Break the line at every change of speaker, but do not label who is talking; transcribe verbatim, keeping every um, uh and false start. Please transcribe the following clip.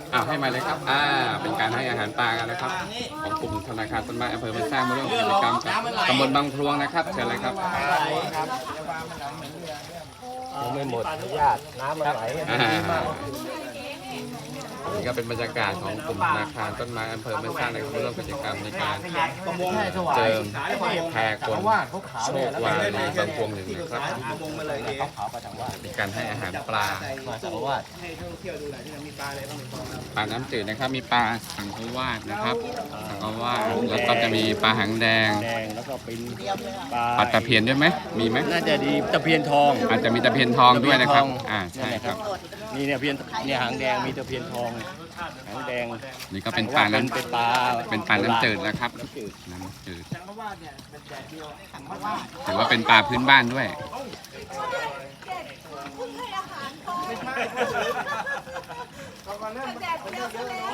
อ้าวให้มาเลยครับอ่าเป็นการให้อาหารปลากันนะครับของกลุ่มธนาคารต้นไม้อำเภอบ้านสร้างมาร่วมกิจกรรมกับตำบลบางพลวงนะครับเชิญเลยครับ
ยังไม่หมดญาติน้ำมันไหล
อ่านี่ก็เป็นบรรยากาศของกลุ่มธนาคารต้นไม้อำเภอบ้านสร้างนะครับร่วมกิจกรรมในการเจิมแพรกลโชควาในบางพวงหนึ่งนะครับมีการให้อาหารปลา
มาจากว่า
ปลาน้ำจืดนะครับมีปลาสังขวาดนะครับสังขวาดแล้วก็จะมีปลาหางแดง
แดงแล้วก็เป็นป
ปลา
ลา
ตะเพียนด้วยไหมมีไหม
น่าจะดีตะเพียนทอง
อาจจะมีตะเพียนทองด้วยนะครับอ่าใช่ครับ
นี่เนี่ยเพียนเนี่ยหางแดงมีตะเพียนทองหางแดง
นี่ก็เป็นปลาน้
เป็นปลา
ำเป็นปลาน้ำจืดนะครับ
น้ำจืด
น้ำจืดถือว่าเป็นปลาพื้นบ้านด้วย
แดดเดียวซะแล้ว